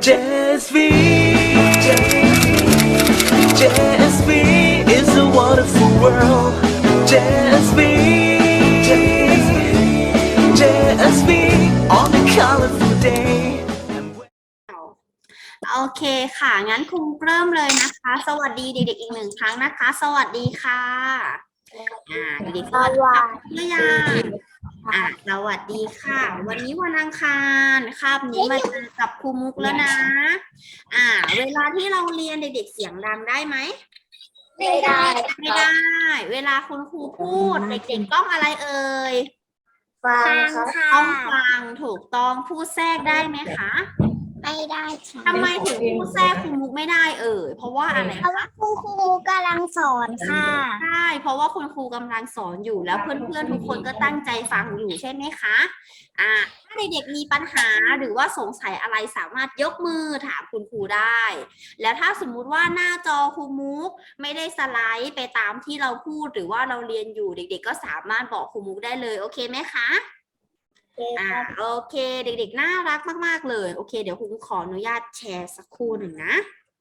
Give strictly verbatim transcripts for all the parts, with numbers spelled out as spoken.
J S V J S V is a wonderful world J S V J S V on a colorful day โอเคค่ะงั้นครูเริ่มเลยนะคะสวัสดีเด็กๆอีกหนึ่งครั้งนะคะสวัสดีค่ะอ่าเด็กๆสวัสดีค่ะเพื่อนยังอ่าสวัสดีค่ะวันนี้วันอังคารคาบนี้มาเจอกับครูมุกแล้วนะอ่าเวลาที่เราเรียนเด็กๆเสียงดังได้ไหมไม่ได้ไม่ได้เวลาคุณครูพูดเด็กๆต้องอะไรเอ่ยฟังค่ะต้องฟังถูกต้องพูดแทรกได้ไหมคะไม่ได้ค่ะทำไมถึงพูดแทรกครูมุกไม่ได้เอ่ยเพราะว่าอะไรเพราะว่าคุณครูกำลังสอนค่ะใช่เพราะว่าคุณครูกำลังสอนอยู่แล้วเพื่อนๆทุกคนก็ตั้งใจฟังอยู่ใช่ไหมคะอ่าถ้าเด็กๆมีปัญหาหรือว่าสงสัยอะไรสามารถยกมือถามคุณครูได้ แล้วถ้าสมมุติว่าหน้าจอครูมุกไม่ได้สไลด์ไปตามที่เราพูดหรือว่าเราเรียนอยู่เด็กๆก็สามารถบอกครูมุกได้เลยโอเคไหมคะอ่าโอเคเด็กๆน่ารักมากๆเลยโอเคเดี๋ยวครูขออนุญาตแชร์สักครู่หนึ่งนะ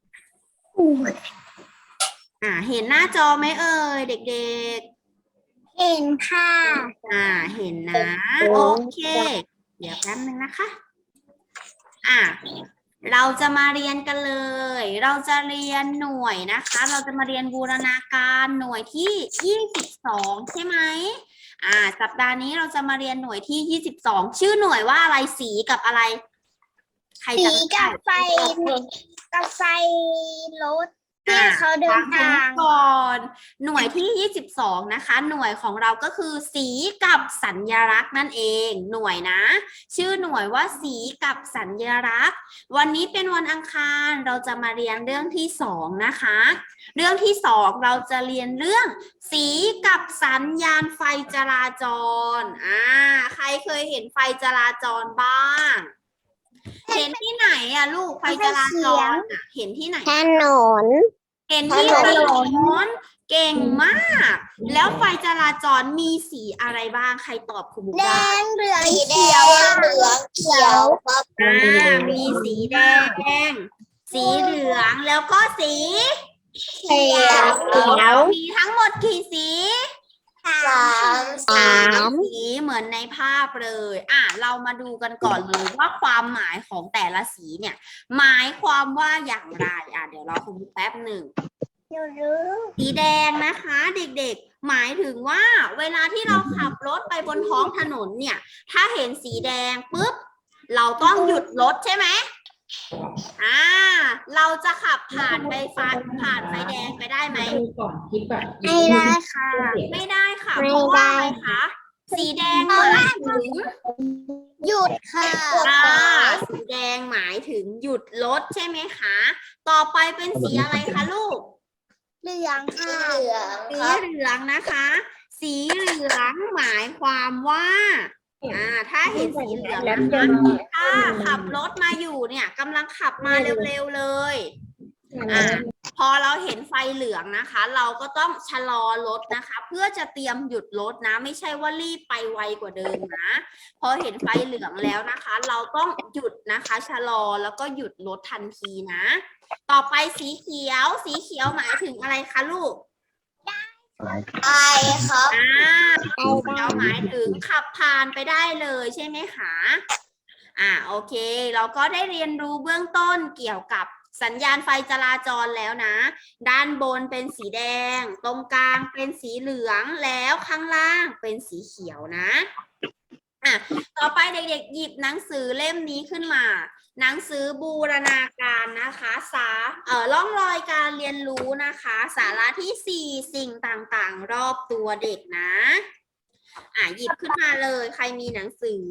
อ่าเห็นหน้าจอไหมเอ่ยเด็กๆเห็นค่ะอ่าเห็นนะโอเคเดี๋ยวแป๊บนึงนะคะอ่าเราจะมาเรียนกันเลยเราจะเรียนหน่วยนะคะเราจะมาเรียนบูรณาการหน่วยที่ยี่สิบสองใช่ไหมอ่าสัปดาห์นี้เราจะมาเรียนหน่วยที่ยี่สิบสองชื่อหน่วยว่าอะไรสีกับอะไรใครจำได้สีกับไฟกับไฟรถที่เขาเดินทางก่อนหน่วยที่ยี่สิบสองนะคะหน่วยของเราก็คือสีกับสัญลักษณ์นั่นเองหน่วยนะชื่อหน่วยว่าสีกับสัญลักษณ์วันนี้เป็นวันอังคารเราจะมาเรียนเรื่องที่สองนะคะเรื่องที่สองเราจะเรียนเรื่องสีกับสัญญาณไฟจราจรอ่าใครเคยเห็นไฟจราจรบ้างเห็นที่ไหนอะลูกไฟจราจรอะเห็นที่ไหนถนนเห็นที่ถนนเก่งมากแล้วไฟจราจรมีสีอะไรบ้างใครตอบครูบุ๊กแดได้งเหลืองเขียวเหลืองเขียวครับอ่ามีสีแดงสีเหลืองแล้วก็สีเขียวมีทั้งหมดกี่สีสามสามสีเหมือนในภาพเลยอ่ะเรามาดูกันก่อนเลยว่าความหมายของแต่ละสีเนี่ยหมายความว่าอย่างไรอ่ะเดี๋ยวเราคุยแป๊บหนึ่งสีแดงนะคะเด็กๆหมายถึงว่าเวลาที่เราขับรถไปบนท้องถนนเนี่ยถ้าเห็นสีแดงปุ๊บเราต้องหยุดรถใช่ไหมอ่าเราจะขับผ่านไปฟ้าผ่านไฟแดงไปได้ไหมไม่ได้ค่ะไม่ได้ค่ะเพราะว่าอะไรคะสีแดงหมายถึงหยุดค่ะอ่าสีแดงหมายถึงหยุดรถใช่ไหมคะต่อไปเป็นสีอะไรคะลูกเหลืองค่ะสีเหลืองนะคะ สีเหลืองหมายความว่าอ่าถ้าเห็นสีเหลืองนะคะถ้าขับรถมาอยู่เนี่ยกำลังขับมาเร็วๆเลยอ่าพอเราเห็นไฟเหลืองนะคะ เราก็ต้องชะลอรถนะคะ เพื่อจะเตรียมหยุดรถนะไม่ใช่ว่ารีบไปไวกว่าเดิมนะพอเห็นไฟเหลืองแล้วนะคะ เราต้องหยุดนะคะชะลอแล้วก็หยุดรถทันทีนะต่อไปสีเขียวสีเขียวหมายถึงอะไรคะลูกไปครับอ่าสีเขียวหมายถึงขับผ่านไปได้เลยใช่ไหมคะอ่าโอเคเราก็ได้เรียนรู้เบื้องต้นเกี่ยวกับสัญญาณไฟจราจรแล้วนะด้านบนเป็นสีแดงตรงกลางเป็นสีเหลืองแล้วข้างล่างเป็นสีเขียวนะอ่ะต่อไปเด็กๆหยิบหนังสือเล่มนี้ขึ้นมาหนังสือบูรณาการนะคะสาเอ่อร่องรอยการเรียนรู้นะคะสาระที่สี่สิ่งต่างๆรอบตัวเด็กนะอ่ะหยิบขึ้นมาเลยใครมีหนังสือ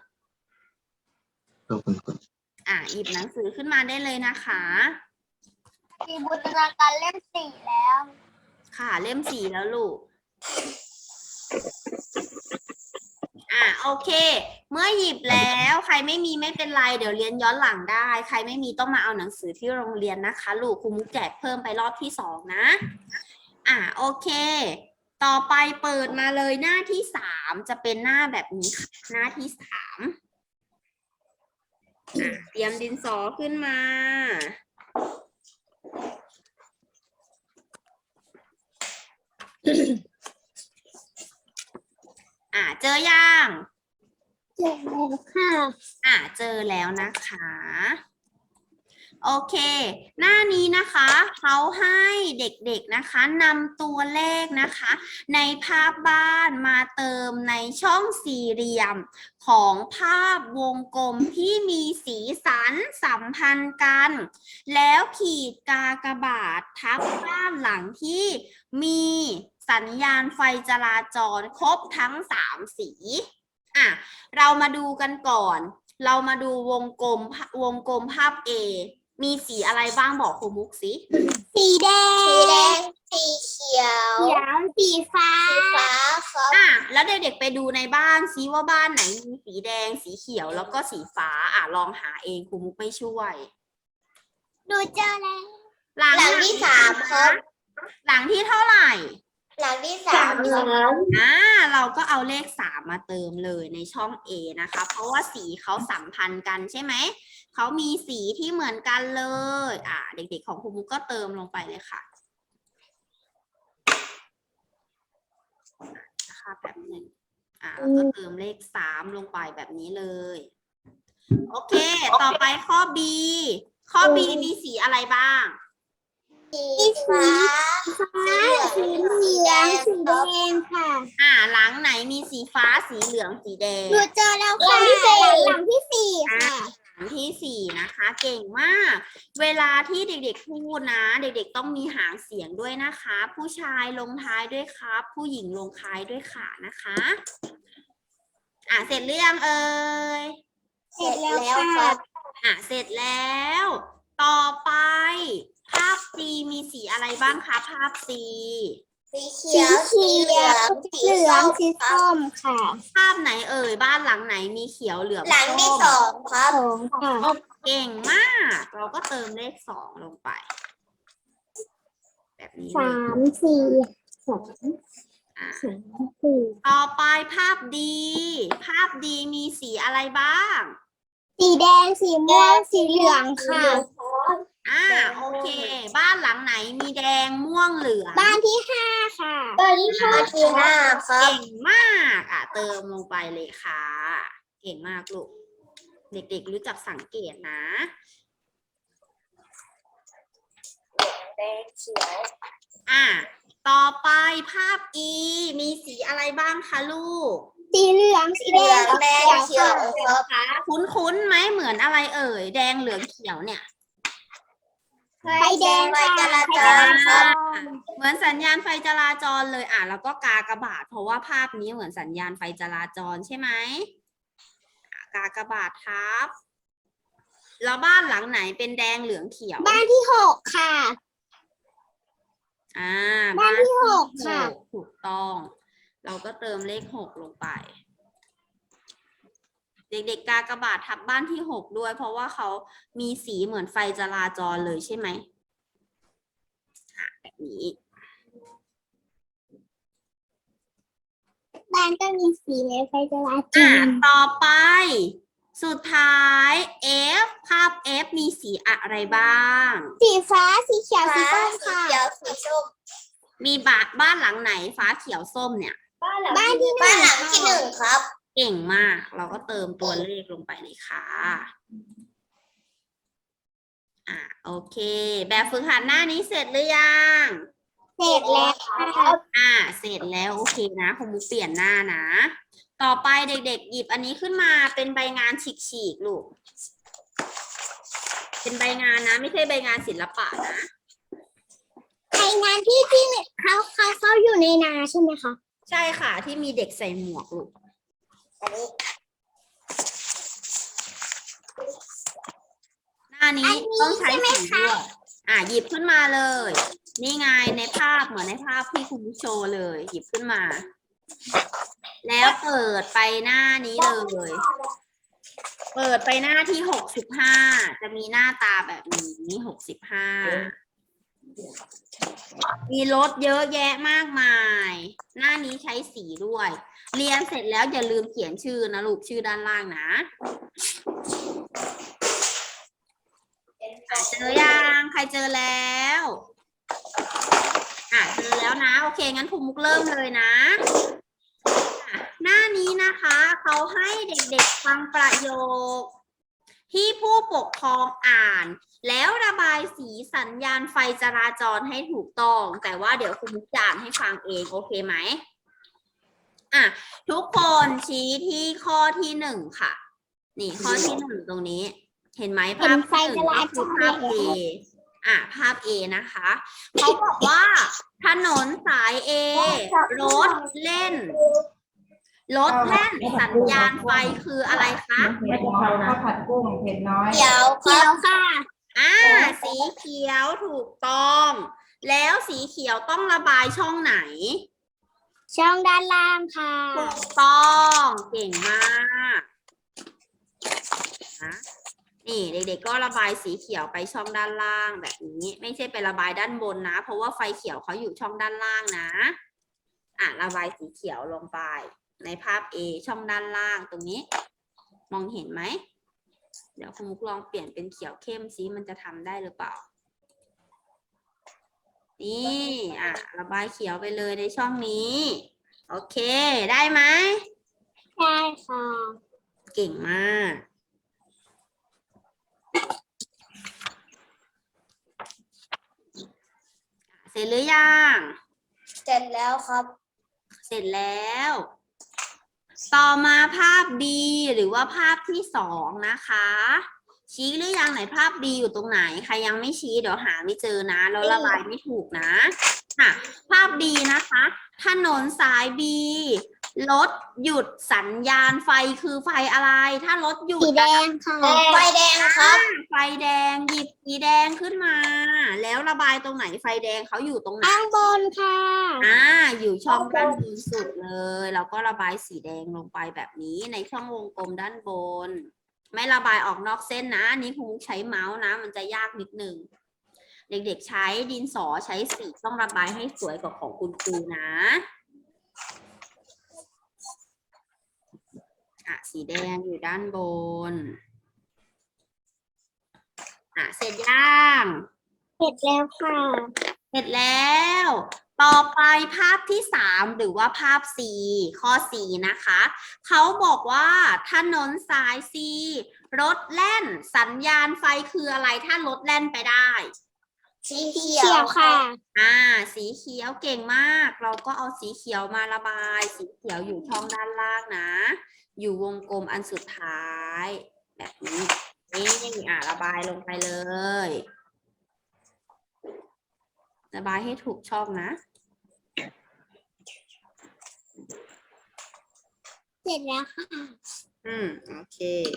อ่ะหยิบหนังสือขึ้นมาได้เลยนะคะมีบูรณาการเล่มสี่แล้วค่ะเล่มสี่แล้วลูกอ่ะโอเคเมื่อหยิบแล้วใครไม่มีไม่เป็นไรเดี๋ยวเรียนย้อนหลังได้ใครไม่มีต้องมาเอาหนังสือที่โรงเรียนนะคะลูกครูมุกแจกเพิ่มไปรอบที่สองนะอ่ะโอเคต่อไปเปิดมาเลยหน้าที่สามจะเป็นหน้าแบบนี้ค่ะหน้าที่สามอ่ะเตรียมดินสอขึ้นมา อ่ะเจอยังเจอแล้วค่ะอ่ะเจอแล้วนะคะ โอเค หน้านี้นะคะเขาให้เด็กๆนะคะนำตัวเลขนะคะ ในภาพบ้านมาเติมในช่องสี่เหลี่ยมของภาพวงกลมที่มีสีสันสัมพันธ์กัน แล้วขีดกากบาททับด้านหลังที่มีสัญญาณไฟจราจรครบทั้งสามสีอ่ะเรามาดูกันก่อน เรามาดูวงกลมวงกลมภาพ A มีสีอะไรบ้างบอกครูมุกสิสีแดง สีแดง สีเขียว เขียว สีฟ้า สีฟ้าครับอ่ะแล้วเด็กๆไปดูในบ้านซิว่าบ้านไหนมีสีแดงสีเขียวแล้วก็สีฟ้าอ่ะลองหาเองครูมุกไม่ช่วยดูเจอแล้วหลังหลังที่สามครับหลังที่เท่าไหร่หลังที่สามครับอ่าเราก็เอาเลขสามมาเติมเลยในช่อง A นะคะ เพราะว่าสีเขาสัมพันธ์กันใช่ไหม เขามีสีที่เหมือนกันเลย อ่า เด็กๆของครูมุกก็เติมลงไปเลยค่ะนะคะแบบหนึ่งอ่าแล้วก็เติมเลขสามลงไปแบบนี้เลย โอเค ต่อไปข้อ B ข้อ B มีสีอะไรบ้างสีฟ้า ฟ้า สีเหลือง สีแดงค่ะอ่า หลังไหนมีสีฟ้าสีเหลืองสีแดงดูเจอแล้วค่ะ หลังที่สี่หลังที่สี่ค่ะหางที่สี่นะคะเก่งมาก เวลาที่เด็กๆพูดนะ เด็กๆต้องมีหางเสียงด้วยนะคะ ผู้ชายลงท้ายด้วยครับ ผู้หญิงลงท้ายด้วยค่ะนะคะ อ่ะเสร็จหรือยังเอ่ยเสร็จแล้วค่ะอ่ะเสร็จแล้ว ต่อไป ภาพ C มีสีอะไรบ้างคะภาพ C สีเขียว สีเหลือง สีเหลือง สีส้มค่ะภาพไหนเอ่ยบ้านหลังไหนมีเขียวเหลืองหลังที่ส้มสองครับสองค่ะเก่งมาก เราก็เติมเลขสองลงไป แบบนี้เลสาย ม สี่สองอ่ะสามสี่ต่อไปภาพดีภาพดีมีสีอะไรบ้างสีแดง สีม่วง สีเหลืองค่ะอ่าโอเค บ้านหลังไหนมีแดงม่วงเหลืองบ้านที่ห้าค่ะ บ้านที่ห้าที่ห้าครัเก่บงมาก อ่ะเติมลงไปเลยค่ะ เก่งมากลูก เด็กๆรู้จักสังเกตนะแดงเขียวอ่ะต่อไปภาพ E มีสีอะไรบ้างคะลูกสีเหลือง สีแดง แดงเขียวครับคุ้นๆไหมเหมือนอะไรเอ่ย แดงเหลืองเขียวเนี่ยไฟแดงไฟจราจรครับเหมือนสัญญาณไฟจราจรเลยอ่ะแล้วก็กากบาทเพราะว่าภาพนี้เหมือนสัญญาณไฟจราจรใช่ไหมอ่ะกากบาททับแล้วบ้านหลังไหนเป็นแดงเหลืองเขียวบ้านที่หกค่ะอ่าบ้านที่หกค่ะหกถูกต้อง เราก็เติมเลขหกลงไป เด็กๆกากบาททับบ้านที่หกด้วย เพราะว่าเขามีสีเหมือนไฟจราจรเลยใช่ไหมอ่ะแบบนี้บ้านก็มีสีในไฟจราจอ่ะรต่อไป สุดท้าย F ภาพ F มีสีอะไรบ้างสีฟ้า สีเขียว สีส้มค่ะ สีส้มมีบ้านบ้านหลังไหนฟ้าเขียวส้มเนี่ยบ้านที่หนึ่งบ้านหลังที่หนึ่งครับเก่งมาก เราก็เติมตัวเลขลงไปเลยค่ะ อ่ะโอเค แบบฝึกหัดหน้านี้เสร็จหรือยังเสร็จแล้วค่ะอ่าเสร็จแล้วโอเคนะคงมุกเปลี่ยนหน้านะ ต่อไปเด็กๆหยิบอันนี้ขึ้นมาเป็นใบงานฉีกๆลูก เป็นใบงานนะ ไม่ใช่ใบงานศิลปะนะใครงานที่ที่เขาเขาเขาอยู่ในนาใช่ไหมคะใช่ค่ะที่มีเด็กใส่หมวกลูก หน้านี้ต้องใช้สีด้วยอ่ะหยิบขึ้นมาเลย นี่ไงในภาพเหมือนในภาพที่คุณโชว์เลย หยิบขึ้นมา แล้วเปิดไปหน้านี้เลย เปิดไปหน้าที่หกสิบห้าจะมีหน้าตาแบบนี้หกสิบห้ามีรถเยอะแยะมากมาย หน้านี้ใช้สีด้วย เรียนเสร็จแล้วอย่าลืมเขียนชื่อนะลูกชื่อด้านล่างนะอ่ะเจอยังใครเจอแล้วอ่ะเจอแล้วนะโอเคงั้นครูมุกเริ่มเลยนะอ่ะหน้านี้นะคะเขาให้เด็กๆฟังประโยคที่ผู้ปกครองอ่านแล้วระบายสีสัญญาณไฟจราจรให้ถูกต้องแต่ว่าเดี๋ยวครูมุกจะอ่านให้ฟังเองโอเคไหมอ่ะทุกคนชี้ที่ข้อที่หนึ่งค่ะนี่ข้อที่หนึ่งตรงนี้เห็นไหมภาพที่หนึ่งก็คือภาพ A อ่ะภาพ A นะคะเขาบอกว่าถนนสาย A รถเล่นรถเล่นสัญญาณไฟคืออะไรคะไม่กะเพราข้าวผัดกุ้งเผ็ดน้อยเขียวเขียวค่ะอ่าสีเขียวถูกต้อง แล้วสีเขียวต้องระบายช่องไหนช่องด้านล่างค่ะถูกต้องเก่งมากนะนี่เด็กๆก็ระบายสีเขียวไปช่องด้านล่างแบบนี้ ไม่ใช่ไประบายด้านบนนะ เพราะว่าไฟเขียวเขาอยู่ช่องด้านล่างนะอ่ะระบายสีเขียวลงไปในภาพ A ช่องด้านล่างตรงนี้ มองเห็นไหมเดี๋ยวคุณมุกลองเปลี่ยนเป็นเขียวเข้มซิมันจะทำได้หรือเปล่านี่อ่ะระบายเขียวไปเลยในช่องนี้โอเคได้ไหมใช่ค่ะเก่งมากเสร็จหรือยังเสร็จแล้วครับเสร็จแล้ว ต่อมาภาพ B หรือว่าภาพที่สองนะคะ ชี้หรือยังไหนภาพ B อยู่ตรงไหนใครยังไม่ชี้เดี๋ยวหาไม่เจอนะแล้วระบายไม่ถูกนะค่ะภาพ B นะคะ ถนนสาย B รถหยุดสัญญาณไฟคือไฟอะไร ถ้ารถหยุดสีแดงค่ะ ไฟแดงครับอ่าไฟแดงหยิบสีแดงขึ้นมา แล้วระบายตรงไหนไฟแดงเขาอยู่ตรงไหนข้างบนค่ะอ่าอยู่ช่องด้านบนสุดเลยแล้วก็ระบายสีแดงลงไปแบบนี้ในช่องวงกลมด้านบน ไม่ระบายออกนอกเส้นนะอันนี้คงใช้เมาส์นะ มันจะยากนิดนึงเด็กๆใช้ดินสอใช้สีต้องระบายให้สวยกว่าของคุณครูนะอ่ะสีแดงอยู่ด้านบนอ่ะเสร็จยังเสร็จแล้วค่ะเสร็จแล้ว ต่อไปภาพที่สามหรือว่าภาพ C ข้อ C นะคะ เขาบอกว่าถนนสาย C รถแล่นสัญญาณไฟคืออะไรถ้ารถแล่นไปได้สีเขียวค่ะอ่า สีเขียวเก่งมาก เราก็เอาสีเขียวมาระบาย สีเขียวอยู่ช่องด้านล่างนะ อยู่วงกลมอันสุดท้าย แบบนี้นี่อ่าระบายลงไปเลย ระบายให้ถูกช่องนะเสร็จแล้วค่ะอืม โอเค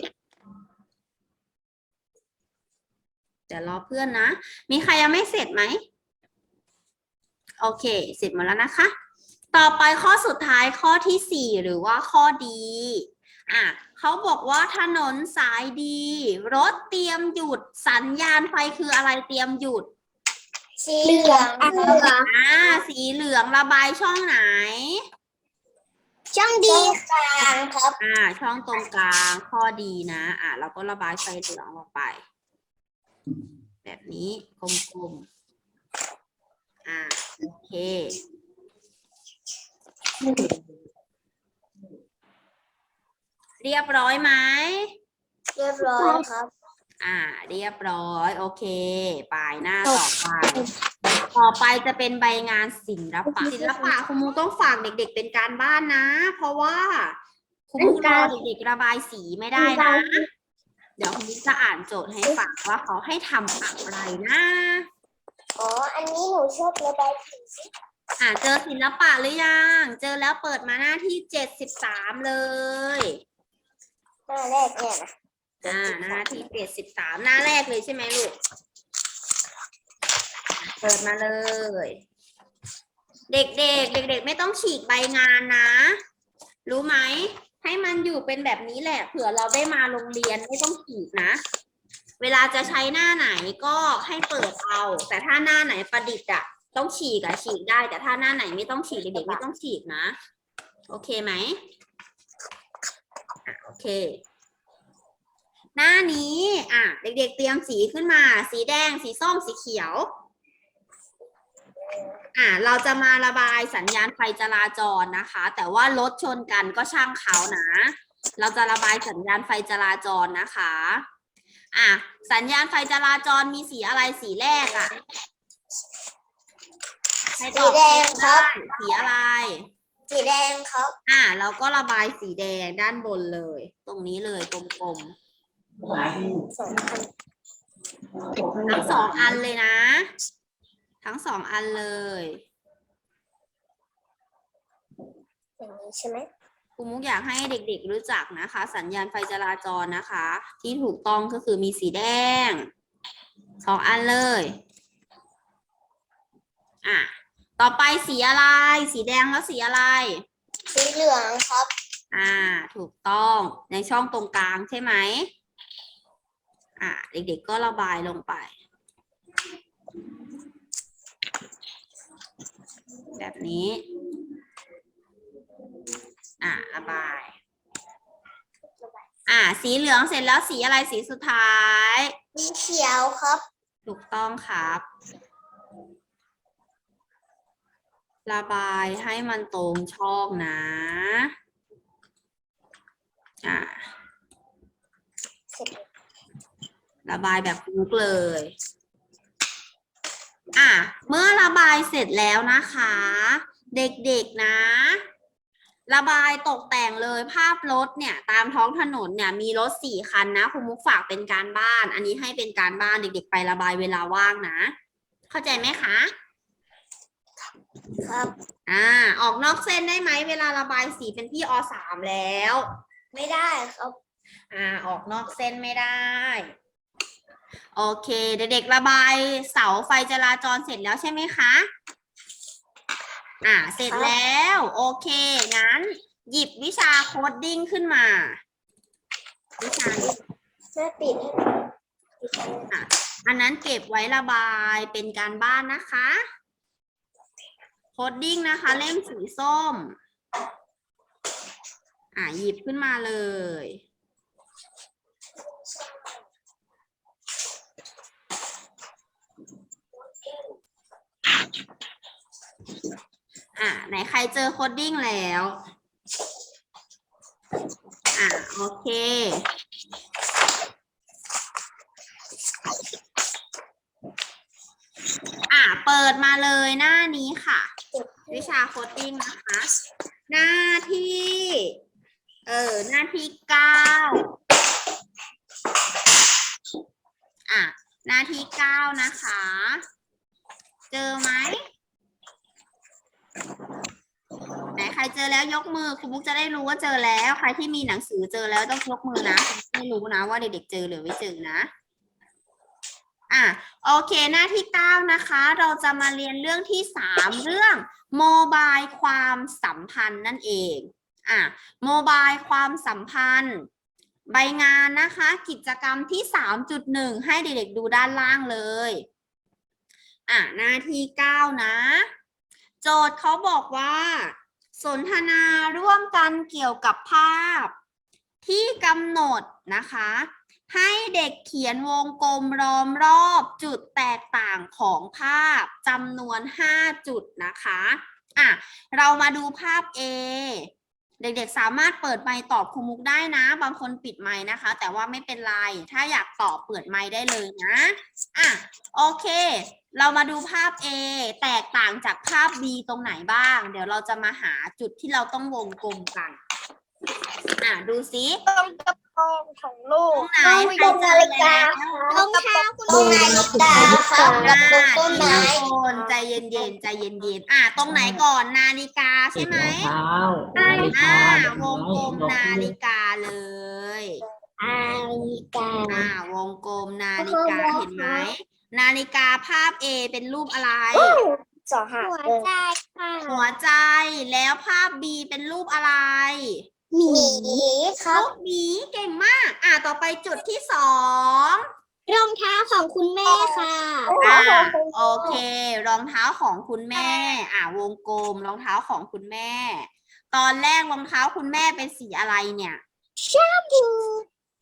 เดี๋ยวรอเพื่อนนะ มีใครยังไม่เสร็จไหม โอเค เสร็จหมดแล้วนะคะ ต่อไปข้อสุดท้ายข้อที่สี่หรือว่าข้อดีอ่ะเขาบอกว่าถนนสายดี รถเตรียมหยุดสัญญาณไฟคืออะไรเตรียมหยุดสีเหลืองเหลืองอ่า สีเหลืองระบายช่องไหนช่องดีกลางครับอ่า ช่องตรงกลางข้อดีนะ อ่าเราก็ระบายไฟเหลืองลงไป แบบนี้กลมๆอ่าโอเค เรียบร้อยไหมเรียบร้อยครับอ่า เรียบร้อย โอเคไปหน้าต่อไป ต่อไปจะเป็นใบงานศิลปะศิลปะคุณมูต้องฝากเด็กๆเป็นการบ้านนะ เพราะว่าคุณมูรอเด็กๆระบายสีไม่ได้นะ เดี๋ยวคุณมูจะอ่านโจทย์ให้ฟังว่าเขาให้ทำอะไรนะอ๋อ อันนี้หนูชอบระบายสีอ่าเจอศิลปะหรือยัง เจอแล้วเปิดมาหน้าที่เจ็ดสิบสามเลยหน้าแรกเนี่ยนะอ่าหน้าที่เจ็ดสิบสามหน้าแรกเลยใช่ไหมลูก เปิดมาเลย เด็กๆ เด็กๆ ไม่ต้องฉีกใบงานนะ รู้ไหม ให้มันอยู่เป็นแบบนี้แหละ เผื่อเราได้มาโรงเรียนไม่ต้องฉีกนะ เวลาจะใช้หน้าไหนก็ให้เปิดเอา แต่ถ้าหน้าไหนประดิษฐ์อะต้องฉีกอะฉีกได้ แต่ถ้าหน้าไหนไม่ต้องฉีกเด็กๆไม่ต้องฉีกนะ โอเคไหมอ่ะโอเคหน้านี้อ่ะเด็กๆเตรียมสีขึ้นมา สีแดงสีส้มสีเขียวอ่ะเราจะมาระบายสัญญาณไฟจราจรนะคะ แต่ว่ารถชนกันก็ช่างเขานะ เราจะระบายสัญญาณไฟจราจรนะคะอ่ะสัญญาณไฟจราจรมีสีอะไรสีแรกอ่ะให้ตสีอบแดงครับสีอะไรสีแดงครับอ่ะเราก็ระบายสีแดงด้านบนเลย ตรงนี้เลยกลมๆสองพันทั้งสองอันเลยนะ ทั้งสองอันเลยอย่างนี้ใช่ไหมครูมุกอยากให้เด็กๆรู้จักนะคะ สัญญาณไฟจราจรนะคะ ที่ถูกต้องก็คือมีสีแดงสองอันเลยอ่ะต่อไปสีอะไร สีแดงแล้วสีอะไรสีเหลืองครับอ่า ถูกต้องในช่องตรงกลางใช่ไหมอ่าเด็กๆก็ระบายลงไป แบบนี้อ่าระบาย อ่า สีเหลืองเสร็จแล้วสีอะไรสีสุดท้ายสีเขียวครับถูกต้องครับ ระบายให้มันตรงช่องนะ อ่าเสร็จระบายแบบลุกเลย อ่ะ เมื่อระบายเสร็จแล้วนะคะ เด็กๆนะ ระบายตกแต่งเลยภาพรถเนี่ยตามท้องถนนเนี่ยมีรถสี่คันนะครูมุกฝากเป็นการบ้าน อันนี้ให้เป็นการบ้านเด็กๆไประบายเวลาว่างนะ เข้าใจไหมคะครับอ่า ออกนอกเส้นได้ไหมเวลาระบายสีเป็นพี่อสามแล้วไม่ได้ครับอ่า ออกนอกเส้นไม่ได้ โอเค เด็กๆระบายเสาไฟจราจรเสร็จแล้วใช่ไหมคะ อ่า เสร็จแล้ว โอเค งั้น หยิบวิชาโคดดิ้งขึ้นมา วิชานี้แม่ปิดให้อ่ะอันนั้นเก็บไว้ระบายเป็นการบ้านนะคะ โคดดิ้งนะคะ เล่มสีส้ม อ่าหยิบขึ้นมาเลย อ่าไหนใครเจอโคดดิ้งแล้ว อ่าโอเค อ่าเปิดมาเลยหน้านี้ค่ะ วิชาโคดดิ้งนะคะ หน้าที่ เออ หน้าที่เก้า อ่ะ หน้าที่เก้านะคะ เจอไหม ไหนใครเจอแล้วยกมือครูบุ๊กจะได้รู้ว่าเจอแล้ว ใครที่มีหนังสือเจอแล้วต้องยกมือนะไม่รู้นะว่าเด็กๆเจอหรือไม่เจอนะ อ่ะโอเคหน้าที่เก้านะคะ เราจะมาเรียนเรื่องที่สามเรื่องโมบายความสัมพันธ์นั่นเองอ่ะโมบายความสัมพันธ์ ใบงานนะคะ กิจกรรมที่ สามจุดหนึ่ง ให้เด็กๆดูด้านล่างเลยอ่ะหน้าที่เก้านะ โจทย์เขาบอกว่า สนทนาร่วมกันเกี่ยวกับภาพ ที่กำหนดนะคะ ให้เด็กเขียนวงกลมล้อมรอบจุดแตกต่างของภาพจำนวนห้าจุดนะคะอ่ะเรามาดูภาพ A เด็กๆสามารถเปิดไมค์ตอบครูมุกได้นะ บางคนปิดไมค์นะคะ แต่ว่าไม่เป็นไรถ้าอยากตอบเปิดไมค์ได้เลยนะอ่ะโอเค เรามาดูภาพ A แตกต่างจากภาพ B ตรงไหนบ้าง เดี๋ยวเราจะมาหาจุดที่เราต้องวงกลมกันอ่ะดูซิตรงกระโปรงของลูกตรงไหนตรงนาฬิกาตรงเท้าคุณตรงนาฬิกาครับกับตรงต้นไม้ทุกคนใจเย็นๆใจเย็นๆอ่ะตรงไหนก่อนนาฬิกาใช่ไหมเท้าอ่านาฬิกาวงกลมนาฬิกาเลยนาฬิกาอ่าวงกลมนาฬิกาเห็นไหมนาฬิกาภาพ A เป็นรูปอะไรสองหัวใจค่ะหัวใจแล้วภาพ B เป็นรูปอะไรหมีครัรูบปหมีเก่งมาก อ่ะต่อไปจุดที่สองรองเท้าของคุณแม่ค่ะอ่ะโอเค รองเท้าของคุณแม่ อ่ะวงกลมรองเท้าของคุณแม่ ตอนแรกรองเท้าคุณแม่เป็นสีอะไรเนี่ยชมพู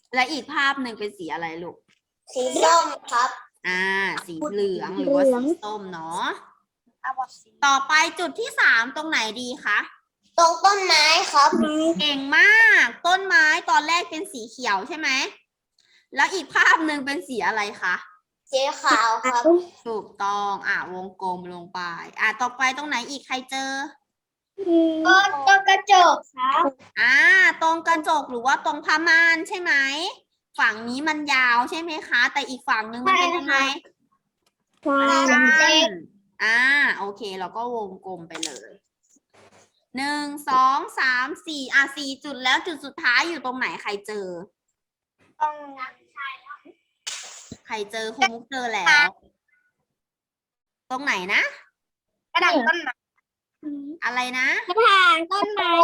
และอีกภาพหนึ่งเป็นสีอะไรลูกสีส้มครับอ่า สีเหลืองหรือว่าสีส้มเนาะ ต่อไปจุดที่สามตรงไหนดีคะตรงต้นไม้ครับเก่งมาก ต้นไม้ตอนแรกเป็นสีเขียวใช่ไหม แล้วอีกภาพหนึ่งเป็นสีอะไรคะสีขาวครับถูกต้อง อ่ะวงกลมลงไป อ่ะต่อไปตรงไหนอีกใครเจอก็ตรงกระจกครับอ่า ตรงกระจกหรือว่าตรงผ้าม่านใช่ไหม ฝั่งนี้มันยาวใช่ไหมคะ แต่อีกฝั่งหนึ่งมันเป็นยังไงสั้นเล็กอ่า โอเค เราก็วงกลมไปเลย หนึ่ง สอง สาม สี่ อ่ะสี่จุดแล้วจุดสุดท้ายอยู่ตรงไหนใครเจอตรงใครเจอครูมุกเจอแล้ว ตรงไหนนะกระถางต้นไม้อะไรนะกระถางต้นไม้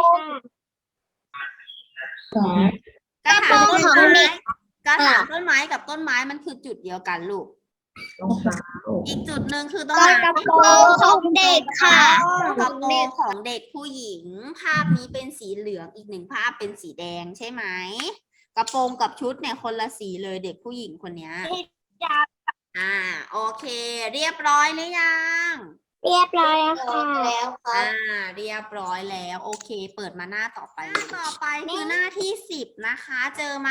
ค่ะกระถางต้นกระโปรงของไม้เด็กกระถางต้นไม้กับต้นไม้มันคือจุดเดียวกันลูก อีกจุดหนึ่งคือตรงไหนกระโปรงของเด็กค่ะกระโปรงของเด็กผู้หญิง ภาพนี้เป็นสีเหลืองอีกหนึ่งภาพเป็นสีแดงใช่ไหม กระโปรงกับชุดเนี่ยคนละสีเลยเด็กผู้หญิงคนเนี้ยอ่า โอเค เรียบร้อยหรือยังเรียบร้อยแล้วค่ะแล้วครัอ่าบเรียบร้อยแล้ว โอเค เปิดมาหน้าต่อไปหน้าต่อไปคือหน้าที่สิบนะคะ เจอไหม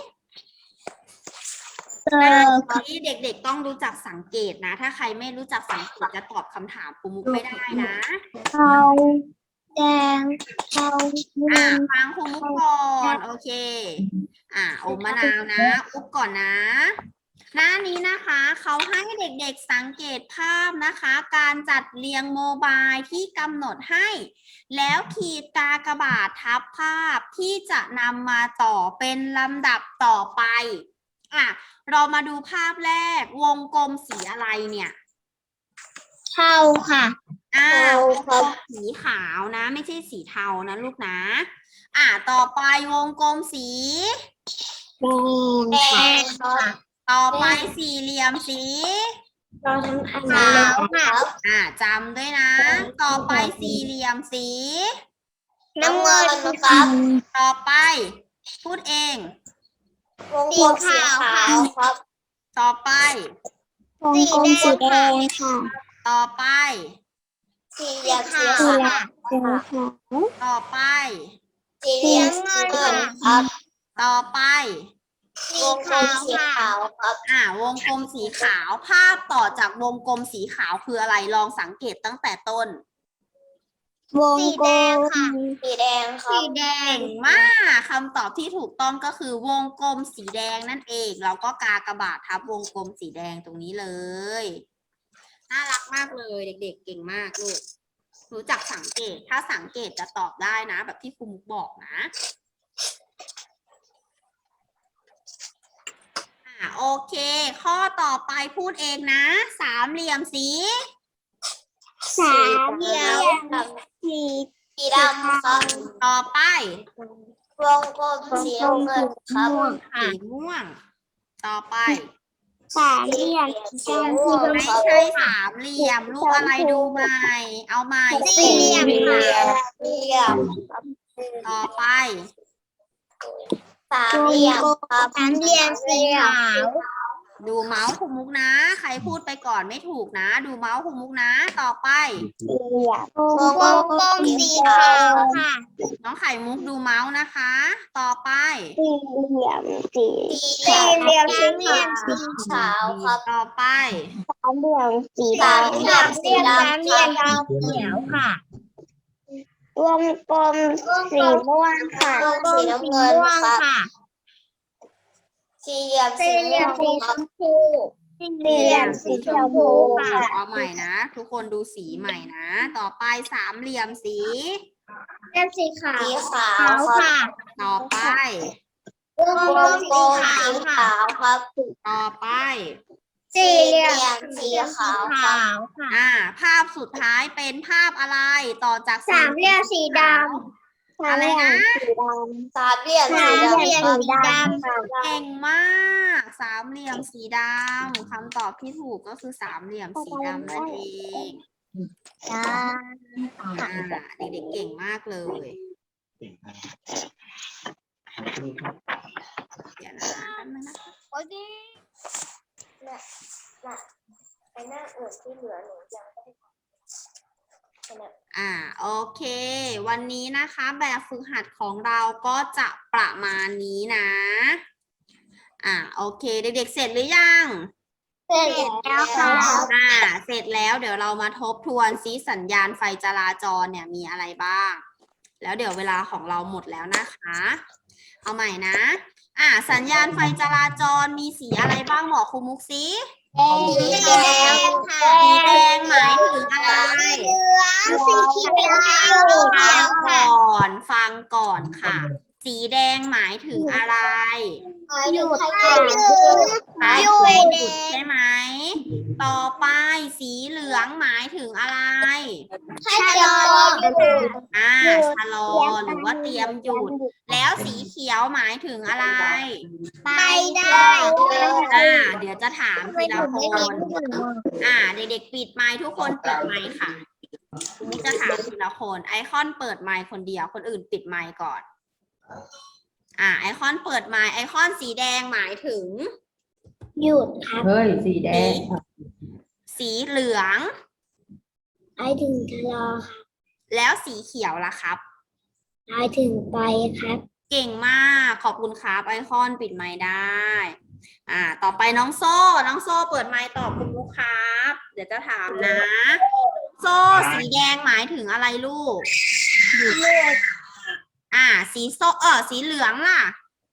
เจหน้าอที่เด็กๆต้องรู้จักสังเกตนะ ถ้าใครไม่รู้จักสังเกตจะตอบคำถามครูมุกไม่ได้นะเทาแดงเทาอ่าฟังครูมุกก่อนโอเค อ่าอมมะนาวนะอุ๊บก่อนนะ หน้านี้นะคะเขาให้เด็กๆสังเกตภาพนะคะ การจัดเรียงโมบายที่กำหนดให้ แล้วขีดกากบาททับภาพที่จะนำมาต่อเป็นลำดับต่อไปอ่ะเรามาดูภาพแรกวงกลมสีอะไรเนี่ยเทาค่ะอ่าเทาวงคกรัลบมสีขาวนะ ไม่ใช่สีเทานะลูกนะ อ่าต่อไปวงกลมสีแดงค่ะต่อไปสี่เหลี่ยมสีขาวค่ะอ่าจำด้วยนะ ต่อไปสี่เหลี่ยมสีน้ำเงินครับต่อไป พูดเองวงกลมสีขาวครับต่อไปวงกลมสีแดงค่ะต่อไปสี่เหลี่ยมสีขาวต่อไปสี่เหลี่ยมสีเงินครับต่อไปวงกลมสีขาวครับอ่าวงกลมสีขาวภาพต่อจากวงกลมสีขาวคืออะไรลองสังเกตตั้งแต่ต้นวงกลมสีแดงครับสีแดงเก่งมากคำตอบที่ถูกต้องก็คือวงกลมสีแดงนั่นเองเราก็กากบาททับวงกลมสีแดงตรงนี้เลยน่ารักมากเลยเด็กๆเก่งมากลูกรู้จักสังเกตถ้าสังเกตจะตอบได้นะ แบบที่ครูมุกบอกนะอ่าโอเค ข้อต่อไปพูดเองนะ สามเหลี่ยมสีสามเหลี่ยมสีสีดำครับต่อไปวงกลมสีน้ำเงินครับสีม่วง ต่อไปสามเหลี่ยมสีม่วงไม่ครับใช่สามเหลี่ยมลูกอะไรดูใหม่ เอาใหม่สี่เหลี่ยมค่ะสี่เหลี่ยมต่อไปสามเหลี่ยมครับสามเหลี่ยมสีขาวดูเมาส์คุมุกนะ ใครพูดไปก่อนไม่ถูกนะ ดูเมาส์คุมุกนะ ต่อไปสี่เหลี่ยมวงกลมสีขาวค่ะน้องไข่มุกดูเมาส์นะคะ ต่อไปสี่เหลี่ยมสีสี่เหลี่ยมสี่เหลี่ยมสีขาวครับต่อไปสามเหลี่ยมสีดำสามเหลี่ยมสีดำสามเหลี่ยมสีเขียวค่ะวงกลมสีม่วงค่ะวงกลมสีน้ำเงินค่ะสี่เหลี่ยมสีชมพูสี่เหลี่ยมสีชมพูค่ะเอาใหม่นะ ทุกคนดูสีใหม่นะ ต่อไปสามเหลี่ยมสีเหลี่ยมสีขาวสีขาวค่ะต่อไปวงกลมสีขาวครับต่อไปสี่เหลี่ยมสีขาวค่ะอ่า ภาพสุดท้ายเป็นภาพอะไร ต่อจากสามเหลี่ยมสีดำอะไรนะสามเหลี่ยมสีดำเก่งมาก สามเหลี่ยมสีดำคำตอบที่ถูกก็คือสามเหลี่ยมสีดำนั่นเองอ่าเด็กๆเก่งมากเลยเดี๋ยวนะแป๊บนึงนะคะโอเคน่ะน่ะไอ้หน้าอื่นที่เหลือหนูยังไม่ได้ทำอ่าโอเค วันนี้นะคะแบบฝึกหัดของเราก็จะประมาณนี้นะอ่าโอเคเด็กๆเสร็จหรือยังเสร็จแล้วค่ะอ่าเสร็จแล้วเดี๋ยวเรามาทบทวนซิสัญญาณไฟจราจรเนี่ยมีอะไรบ้าง แล้วเดี๋ยวเวลาของเราหมดแล้วนะคะเอาใหม่นะอ่าสัญญาณไฟจราจรมีสีอะไรบ้างบอกครูมุกซิสีแดงค่ะสีแดงหมายถึงอะไรสีเขียวฟังก่อนฟังก่อนค่ะ สีแดงหมายถึงอะไรหยุดค่ะหมายหยุถึงดหยุดใช่ไหม ต่อไปสีเหลืองหมายถึงอะไรชะลออ่าชะลอหรือว่าเตรียมหยุด แล้วสีเขียวหมายถึงอะไรไปได้อ่า เดี๋ยวจะถามทีละคน อ่า เด็กๆปิดไมค์ทุกคนปิดไมค์ค่ะนี่จะถามทีละคน ไอคอนเปิดไมค์คนเดียว คนอื่นปิดไมค์ก่อน อ่า ไอคอนเปิดไมค์ไอคอนสีแดงหมายถึงหยุดครับเฮ้ย สีแดงสีเหลืองไปถึงชะลอค่ะแล้วสีเขียวล่ะครับไปถึงไปครับเก่งมาก ขอบคุณครับไอคอนปิดไมค์ได้ อ่า ต่อไปน้องโซ่ น้องโซ่เปิดไมค์ตอบคุณลูกครับ เดี๋ยวจะถามนะ โซ่สีแดงหมายถึงอะไรลูก อ่า สีโซเออสีเหลืองล่ะ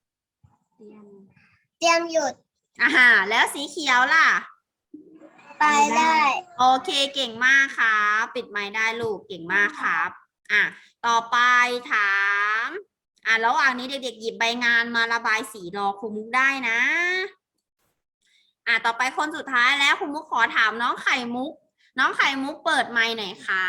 เตรียมหยุดอ่า แล้วสีเขียวล่ะไปได้โอเคเก่งมากครับปิดไมค์ได้ลูกเก่งมากครับ อ่ะ ต่อไปถาม อ่ะระหว่างนี้เด็กๆหยิบใบงานมาระบายสีรอครูมุกได้นะ อ่ะต่อไปคนสุดท้ายแล้วครูมุกขอถามน้องไข่มุก น้องไข่มุกเปิดไมค์หน่อยค่ะ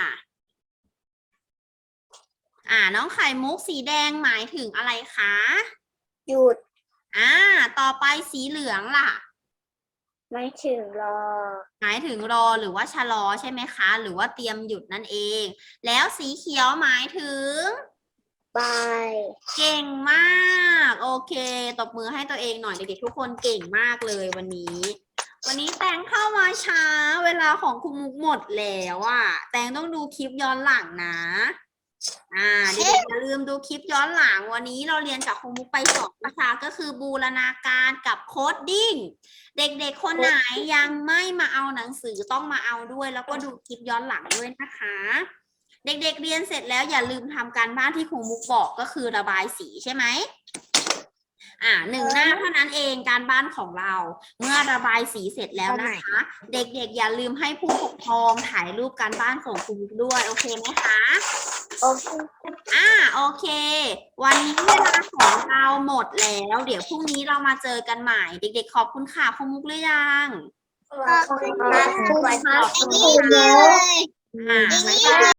อ่ะน้องไข่มุกสีแดงหมายถึงอะไรคะหยุดอ่า ต่อไปสีเหลืองล่ะไม่ถึงรอหมายถึงรอหรือว่าชะลอใช่ไหมคะ หรือว่าเตรียมหยุดนั่นเอง แล้วสีเขียวหมายถึงไปเก่งมาก โอเคตบมือให้ตัวเองหน่อยเด็กๆทุกคนเก่งมากเลยวันนี้ วันนี้แตงเข้ามาช้าเวลาของครูมุกหมดแล้วอ่ะแตงต้องดูคลิปย้อนหลังนะ อ่าเด็กๆอย่าลืมดูคลิปย้อนหลังวันนี้เราเรียนจากครูมุกไปสองวิชาก็คือบูรณาการกับโคดดิ้งเด็กๆคนไหนยังไม่มาเอาหนังสือต้องมาเอาด้วย แล้วก็ดูคลิปย้อนหลังด้วยนะคะ เด็กๆเรียนเสร็จแล้วอย่าลืมทำการบ้านที่ครูมุกบอกก็คือระบายสีใช่ไหมอ่าหนึ่งหน้าเท่านั้นเองการบ้านของเรา เมื่อระบายสีเสร็จแล้วนะคะ เด็กๆอย่าลืมให้ผู้ปกครองถ่ายรูปการบ้านส่งครูมุกด้วยโอเคไหมคะโอเคอ่าโอเค วันนี้เวลาของเราหมดแล้ว เดี๋ยวพรุ่งนี้เรามาเจอกันใหม่ เด็กๆขอบคุณค่ะครูมุกหรือยังขอบคุณครับขอบคุณค่ะเลยอ่าบ๊ายบาย